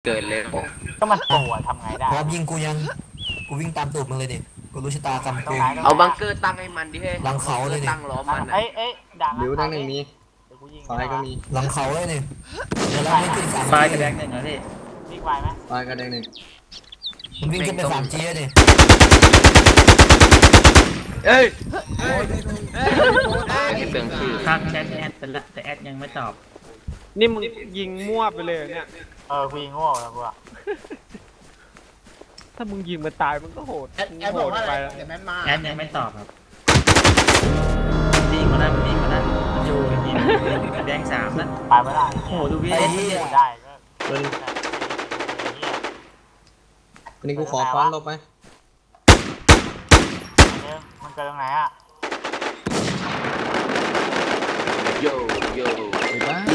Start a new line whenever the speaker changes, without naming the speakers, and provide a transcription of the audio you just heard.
เกิดเลย
ก็มันป่วยทำไงได้
พร้อมยิงกูยังกูวิ่งตามตูดมึงเลยดิกูรู้ชะตากรรมกู
เอาบังเกอร์ตั้งให้มันดิเฮ้ย
หลังเขาเลยดิ
ตั้งล้อมมัน
เอ้ยด่าง
บิวทั้งหนึ่งมี
เดี๋ยวกูยิง
ซ้ายก็มี
หลังเขาเลยดิเดี๋ยวเราไม่ขึ้นสาม
ปลาย
จี
กระแดงหนึ่งนะพี่
วิ่งไวไหม
ซ้ายก็แดงหนึ่ง
มันวิ่งขึ้นไปสามจีเลยดิ
เอ้ย
ไม่เปลืองชื่อทักแชทแอดไปละแต่แอดยังไม่ตอบ
นี่มึงยิงมั่วไปเลยเหรอเนี่ย
กูยิงโง่แล้วกูอะ
ถ้ามึงยิงมันตายมันก็โหด
แอด
โห
บอก
ด
ว่าอะ
ไป
ไร
แล้ว
เดี๋ยวแม่นมา
แอดยังไม่ตอบครับดีกว่านั้นดีกว่านั้นมันอยู่ยิงกระแดง3นะ
ไปไม่ได้
โอ้โหดูพี่
ไอ้เหี้ย
ได้ก็
ตัวนี้
เหี้ย
วันนี้กูขอฟ้อนลบไหม
มันเกิดตรงไหนอ่ะ
โยโย่
ไอ้บ้า